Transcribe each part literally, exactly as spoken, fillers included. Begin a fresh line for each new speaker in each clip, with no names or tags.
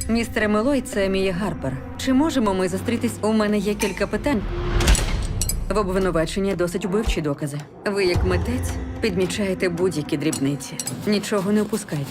Містере Мелой, це Мія Гарпер. Чи можемо ми зустрітись? У мене є кілька питань. В обвинуваченні досить убивчі докази. Ви, як митець, підмічаєте будь-які дрібниці. Нічого не опускайте.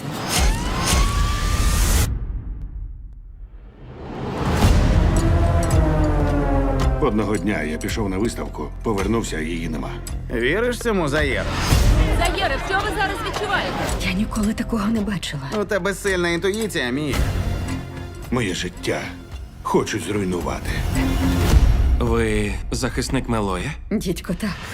Одного дня я пішов на виставку, повернувся, а її нема.
Віриш цьому, Заєр?
Заєре, що ви зараз відчуваєте?
Я ніколи такого не бачила.
У тебе сильна інтуїція, Мія.
Моє життя хочуть зруйнувати.
Ви захисник Мелоя?
Дідько, так.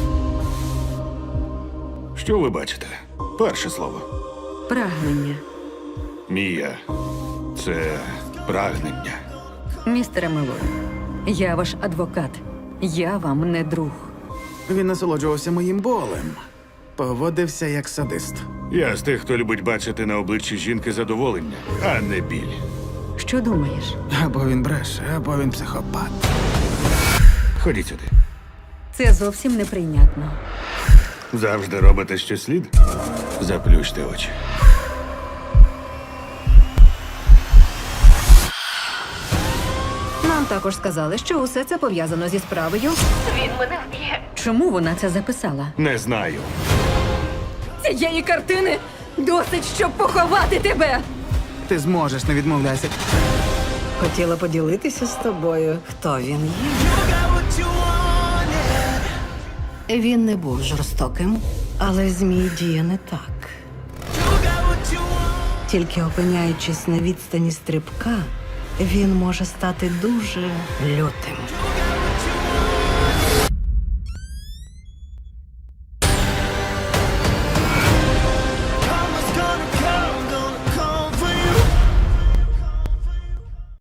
Що ви бачите? Перше слово.
Прагнення.
Мія. Це прагнення.
Містере Мелой, я ваш адвокат. Я вам не друг.
Він насолоджувався моїм болем. Поводився як садист.
Я з тих, хто любить бачити на обличчі жінки задоволення, а не біль.
Що думаєш?
Або він бреше, або він психопат.
Ходіть сюди.
Це зовсім неприйнятно.
Завжди робите, що слід? Заплющте очі.
Нам також сказали, що усе це пов'язано зі справою.
Він мене вб'є.
Чому вона це записала?
Не знаю.
Цієї картини досить, щоб поховати тебе!
Ти зможеш, не відмовляйся.
Хотіла поділитися з тобою, хто він є. Він не був жорстоким, але змій діє не так. Тільки опиняючись на відстані стрибка, він може стати дуже лютим.